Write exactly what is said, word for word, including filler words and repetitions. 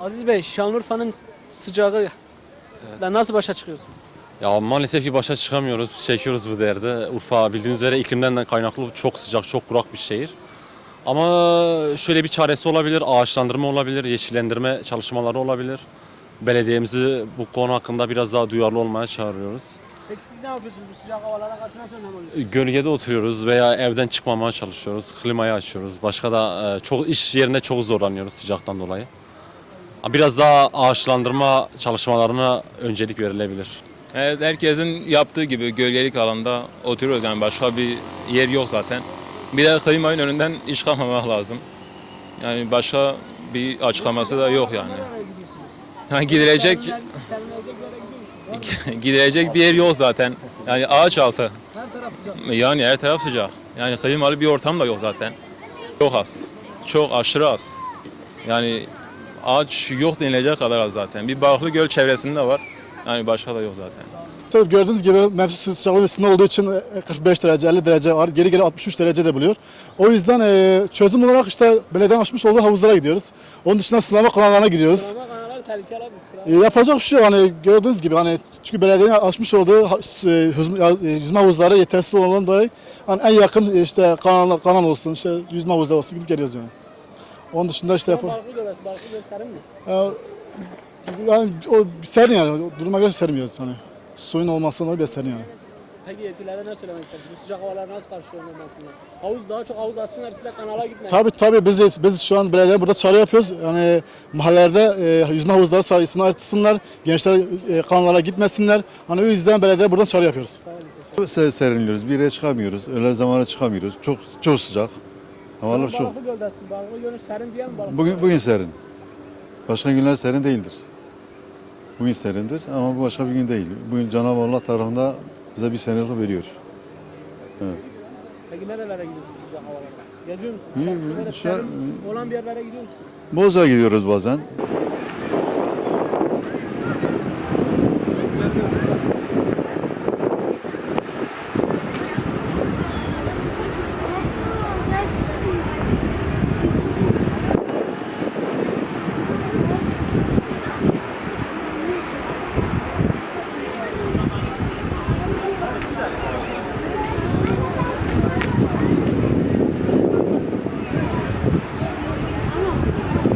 Aziz Bey, Şanlıurfa'nın sıcağı evet. Nasıl başa çıkıyorsunuz? Ya maalesef ki başa çıkamıyoruz, çekiyoruz bu derdi. Urfa bildiğiniz üzere iklimden de kaynaklı çok sıcak, çok kurak bir şehir. Ama şöyle bir çaresi olabilir, ağaçlandırma olabilir, yeşillendirme çalışmaları olabilir. Belediyemizi bu konu hakkında biraz daha duyarlı olmaya çağırıyoruz. Peki siz ne yapıyorsunuz bu sıcak havalara karşı nasıl önlem alıyorsunuz? Gölgede oturuyoruz veya evden çıkmamaya çalışıyoruz, klimayı açıyoruz. Başka da e, çok iş yerinde çok zorlanıyoruz sıcaktan dolayı. Biraz daha ağaçlandırma çalışmalarına öncelik verilebilir. Evet, herkesin yaptığı gibi gölgelik alanda oturuyoruz, yani başka bir yer yok zaten. Bir de klimanın önünden iş kalmamak lazım. Yani başka bir açıklaması da yok yani. Nereye gidiyorsunuz? Ha, gidilecek Serinlenecek yere gidiyor musunuz? gidilecek bir yer yok zaten. Yani ağaç altı. Her taraf sıcak. Yani her taraf sıcak. Yani klimalı bir ortam da yok zaten. Çok az. Çok aşırı az. Yani ağaç yok denilecek kadar az zaten. Bir Balıklı Göl çevresinde var. Yani başka da yok zaten. Tabii gördüğünüz gibi mevsim sıcaklığın üstünde olduğu için kırk beş derece, elli derece var. Geri geri altmış üç derece de buluyor. O yüzden e, çözüm olarak işte belediyenin açmış olduğu havuzlara gidiyoruz. Onun dışında sulama kanallarına gidiyoruz. Sulama kanaları tehlikeli abi. E, yapacak bir şey yok. Hani gördüğünüz gibi hani çünkü belediyenin açmış olduğu ha- e, yüzme, e, yüzme havuzları yetersiz olan dolayı hani en yakın e, işte kanal, kanal olsun, işte yüzme havuzları olsun gidip geliyoruz yani. Onun dışında işte yap- Balıklı Göl'esi, Balıklı Göl serin mi? e, yani o serin yani. O duruma göre sermiyoruz hani. Suyun olmasından dolayı serin yani. Peki yetkililere ne söylemek istersiniz? Bu sıcak havalar nasıl karşı önlenmesinde? Havuz daha çok havuz açsınlar, siz de kanala gitmeyin. Tabii tabii biz de- biz şu an belediye burada çağrı yapıyoruz. Yani mahallelerde e, yüzme havuzları sayısını artırsınlar. Gençler e, kanallara gitmesinler. Hani o yüzden belediye buradan çağrı yapıyoruz. Se- Serinliyoruz, bir yere çıkamıyoruz, öğle zamanı çıkamıyoruz. Çok çok sıcak. Havalar çok. Balıklı Göl'desiniz. Balıklı Göl'ün serin diye mi Balıklı Bugün Göl? bugün serin. Başka günler serin değildir. Bugün serindir ama bu başka bir gün değil. Bugün Cenab-ı Allah tarafında bize bir serinlik veriyor. Peki nerelere gidiyorsunuz sıcak havalarda? Geziyor musunuz? Hı, Dışarı- hı, Böyle dışarı- serin olan bir yerlere gidiyor musunuz? Bozca'a gidiyoruz bazen.